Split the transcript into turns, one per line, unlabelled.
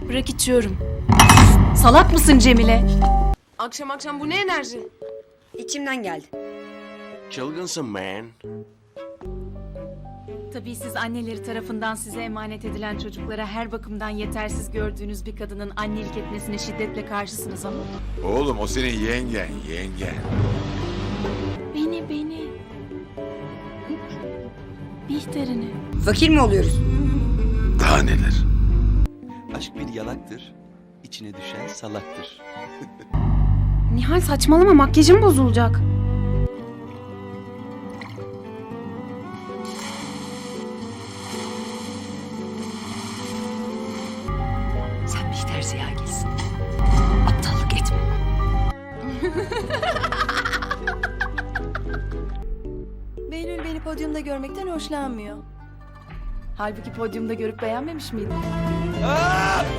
Bırak içiyorum. Salak mısın Cemile?
Akşam akşam bu ne enerji?
İçimden geldi.
Çılgınsın man.
Tabii siz anneleri tarafından size emanet edilen çocuklara her bakımdan yetersiz gördüğünüz bir kadının annelik etmesine şiddetle karşısınız ama...
Oğlum o senin yengen.
Beni. Bihter'ini.
Fakir mi oluyoruz?
Daha neler?
Aşk bir yalaktır, içine düşen salaktır.
Nihal saçmalama, makyajım bozulacak.
Sen Bihter Ziyagil'sin. Aptallık etme.
Behlül beni podyumda görmekten hoşlanmıyor.
Halbuki podyumda görüp beğenmemiş miydin?
Aa!